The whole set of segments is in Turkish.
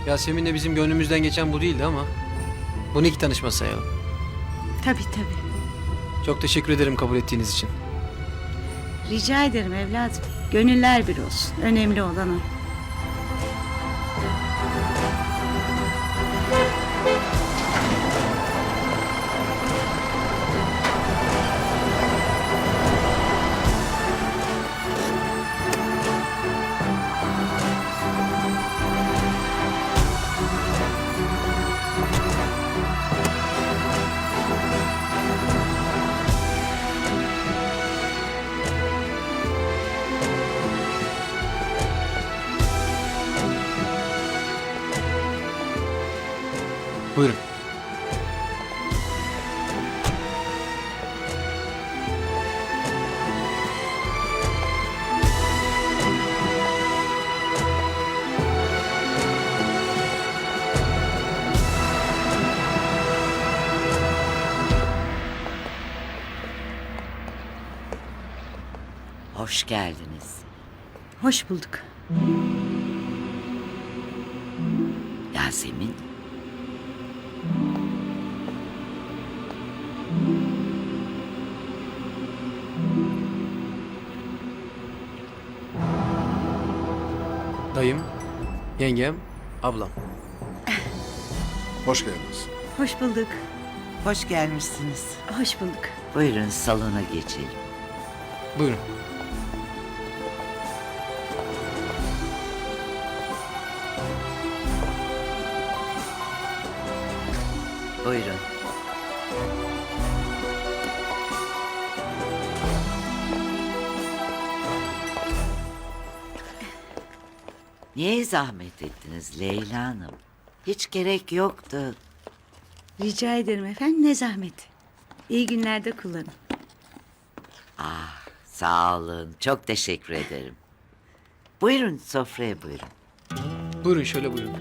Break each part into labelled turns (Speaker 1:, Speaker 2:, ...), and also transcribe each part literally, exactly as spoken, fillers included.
Speaker 1: Yasemin'le bizim gönlümüzden geçen bu değildi ama bunu ilk tanışma sayalım.
Speaker 2: Tabii tabii.
Speaker 1: Çok teşekkür ederim kabul ettiğiniz için.
Speaker 2: Rica ederim evladım. Gönüller bir olsun. Önemli olan o.
Speaker 1: Buyurun.
Speaker 3: Hoş geldiniz.
Speaker 2: Hoş bulduk.
Speaker 3: Yasemin.
Speaker 1: Dayım, yengem, ablam.
Speaker 4: Hoş geldiniz.
Speaker 2: Hoş bulduk.
Speaker 3: Hoş gelmişsiniz.
Speaker 2: Hoş bulduk.
Speaker 3: Buyurun salona geçelim.
Speaker 1: Buyurun.
Speaker 3: Buyurun. Niye zahmet ettiniz Leyla Hanım? Hiç gerek yoktu.
Speaker 2: Rica ederim efendim. Ne zahmet. İyi günlerde kullanın.
Speaker 3: Ah, sağ olun. Çok teşekkür ederim. Buyurun sofraya buyurun.
Speaker 1: Buyurun şöyle buyurun.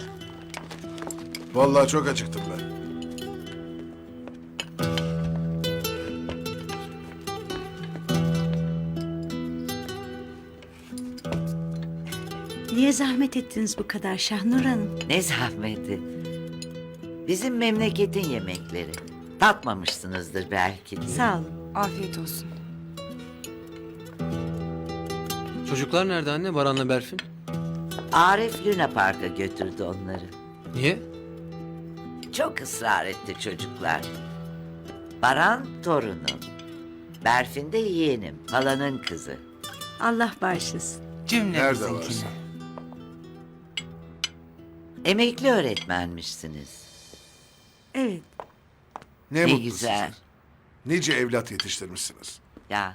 Speaker 4: Vallahi çok acıktım ben.
Speaker 2: Niye zahmet ettiniz bu kadar Şahnur Hanım?
Speaker 3: Ne zahmeti. Bizim memleketin yemekleri. Tatmamışsınızdır belki.
Speaker 2: Sağ olun.
Speaker 5: Afiyet olsun.
Speaker 1: Çocuklar nerede anne? Baran'la Berfin.
Speaker 3: Arif Luna Park'a götürdü onları.
Speaker 1: Niye?
Speaker 3: Çok ısrar etti çocuklar. Baran torunum. Berfin de yeğenim, halanın kızı.
Speaker 2: Allah bağışlasın.
Speaker 4: Nerede varsa.
Speaker 3: Emekli öğretmenmişsiniz.
Speaker 2: Evet.
Speaker 4: Ne,
Speaker 3: Ne
Speaker 4: mutlu
Speaker 3: güzel.
Speaker 4: size. Nice evlat yetiştirmişsiniz.
Speaker 3: Ya.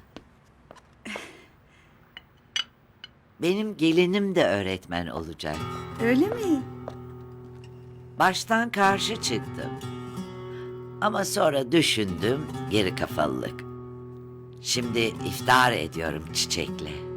Speaker 3: Benim gelinim de öğretmen olacak.
Speaker 2: Öyle mi?
Speaker 3: Baştan karşı çıktım. Ama sonra düşündüm, geri kafalılık. Şimdi iftar ediyorum çiçekle.